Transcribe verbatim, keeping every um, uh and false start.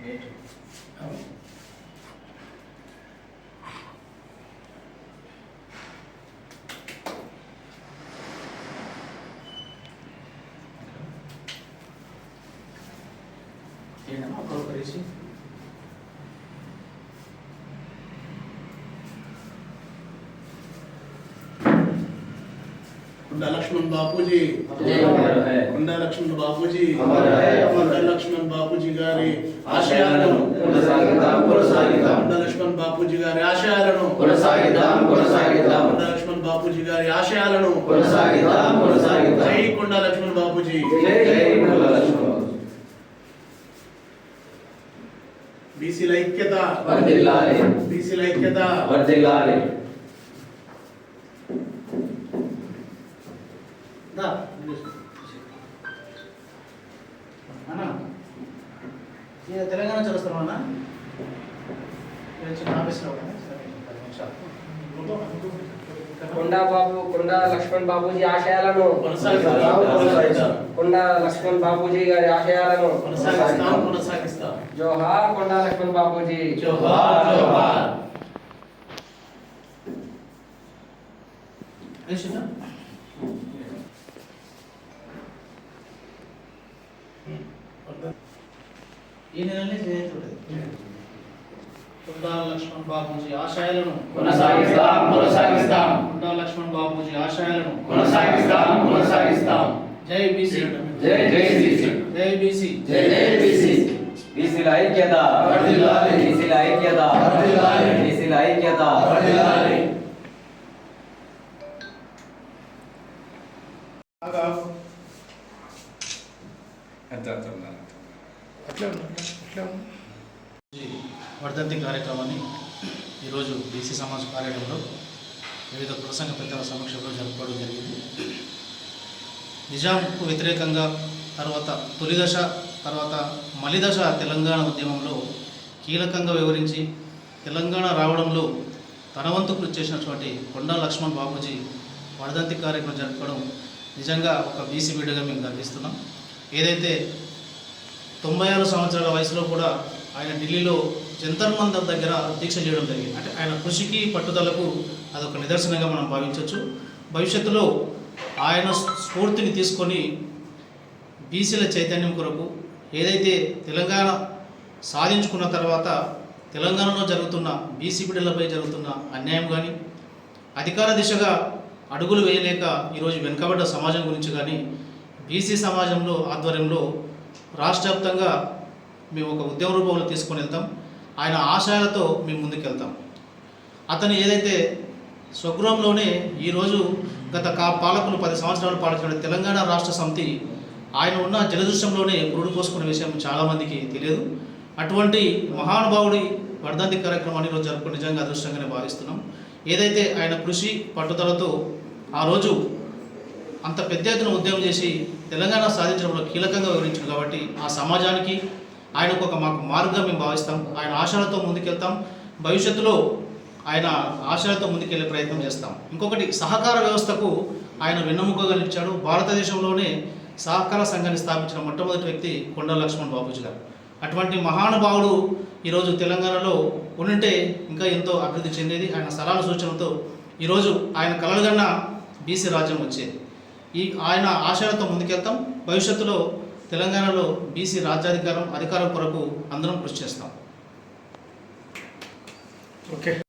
ఏంటమ్మా ప్రోకరేసి कुंडा लक्ष्मण बापूजी कुंडा लक्ष्मण बापूजी कुंडा लक्ष्मण बापूजी गारी आशयाలను కొనసాగిద్దాం కొనసాగిద్దాం कुंडा लक्ष्मण बापूजी గారి ఆశయాలను కొనసాగిద్దాం కొనసాగిద్దాం कुंडा लक्ष्मण बापूजी గారి ఆశయాలను కొనసాగిద్దాం కొనసాగిద్దాం జై कुंडा लक्ष्मण बापूजी జై జై कुंडा लक्ष्मण बीसी ఐక్యత వర్ధిల్లాలి बीसी ఐక్యత వర్ధిల్లాలి అన్నా ఇది తెలంగాణ చదువుతున్నాం అన్నా చిన్న ఆఫీస్లో కొండా బాబు కొండా లక్ష్మణ్ బాబూజీ ఆశయాలను కొండా లక్ష్మణ్ బాబూజీ గారి ఆశయాలను కొనసాగిస్తాం జోహార్ కొండా లక్ష్మణ్ బాబూజీ జోహార్ జోహార్ ఈ నెలనే జయంతి कुंडा लक्ष्मण बापूजी ఆశయాలను కొనసాగిస్తాం కొనసాగిస్తాం कुंडा लक्ष्मण बापूजी ఆశయాలను కొనసాగిస్తాం కొనసాగిస్తాం జై బీసీ జై జై బీసీ జై బీసీ జై జై బీసీ బీసీల ఐక్యత వర్ధిల్లాలి బీసీల ఐక్యత వర్ధిల్లాలి బీసీల ఐక్యత వర్ధిల్లాలి ఆగా అట్లా అట్లా అట్లా అట్లా వర్ధంతి కార్యక్రమాన్ని ఈరోజు బీసీ సమాజ్ కార్యాలయంలో వివిధ ప్రసంగ పెద్దల సమక్షంలో జరుపుకోవడం జరిగింది. నిజాంకు వ్యతిరేకంగా తర్వాత తొలిదశ తర్వాత మలిదశ తెలంగాణ ఉద్యమంలో కీలకంగా వివరించి తెలంగాణ రావడంలో తన వంతు కృషి చేసినటువంటి కొండా లక్ష్మణ్ బాబూజీ వర్ధంతి కార్యక్రమం జరుపుకోవడం నిజంగా ఒక బీసీ బిడ్డగా మేము గర్విస్తున్నాం. ఏదైతే తొంభై ఆరు సంవత్సరాల వయసులో కూడా ఆయన ఢిల్లీలో జంతర్ మంతర్ దగ్గర దీక్ష చేయడం జరిగింది. అంటే ఆయన కృషికి పట్టుదలకు అదొక నిదర్శనంగా మనం భావించవచ్చు. భవిష్యత్తులో ఆయన స్ఫూర్తిని తీసుకొని బీసీల చైతన్యం కొరకు ఏదైతే తెలంగాణ సాధించుకున్న తర్వాత తెలంగాణలో జరుగుతున్న బీసీ బిడ్డలపై జరుగుతున్న అన్యాయం కానీ అధికార దిశగా అడుగులు వేయలేక ఈరోజు వెనుకబడ్డ సమాజం గురించి కానీ బీసీ సమాజంలో ఆధ్వర్యంలో రాష్ట్ర వ్యాప్తంగా మేము ఒక ఉద్యమ రూపంలో తీసుకొని వెళ్తాం. ఆయన ఆశయాలతో మేము ముందుకెళ్తాం. అతను ఏదైతే స్వగృహంలోనే ఈరోజు గత కా పాలకులు పది సంవత్సరాలు పాలించిన తెలంగాణ రాష్ట్ర సమితి ఆయన ఉన్న జలదృశ్యంలోనే పురుడు పోసుకునే విషయం చాలామందికి తెలియదు. అటువంటి మహానుభావుడి వర్ధంతి కార్యక్రమాన్ని ఈరోజు జరుపుకుని నిజంగా అదృష్టంగానే భావిస్తున్నాం. ఏదైతే ఆయన కృషి పట్టుదలతో ఆ రోజు అంత పెద్ద ఎత్తున ఉద్యమం చేసి తెలంగాణ సాధించడంలో కీలకంగా వివరించారు కాబట్టి ఆ సమాజానికి ఆయనకు ఒక మాకు మార్గం మేము భావిస్తాం. ఆయన ఆశయాలతో ముందుకెళ్తాం. భవిష్యత్తులో ఆయన ఆశయాలతో ముందుకెళ్లే ప్రయత్నం చేస్తాం. ఇంకొకటి సహకార వ్యవస్థకు ఆయన వెన్నెముకగా నిలిచాడు. భారతదేశంలోనే సహకార సంఘాన్ని స్థాపించిన మొట్టమొదటి వ్యక్తి కొండా లక్ష్మణ్ బాబూజీ గారు. అటువంటి మహానుభావుడు ఈరోజు తెలంగాణలో ఉంటే ఇంకా ఎంతో అభివృద్ధి చెందేది. ఆయన సలహాల సూచనలతో ఈరోజు ఆయన కలలుగన్న బీసీ రాజ్యం వచ్చేది. ఈ ఆయన ఆశయాలతో ముందుకెళ్తాం. భవిష్యత్తులో తెలంగాణలో బీసీ రాజ్యాధికారం అధికారం కొరకు అందరం కృషి చేస్తాం. ఓకే.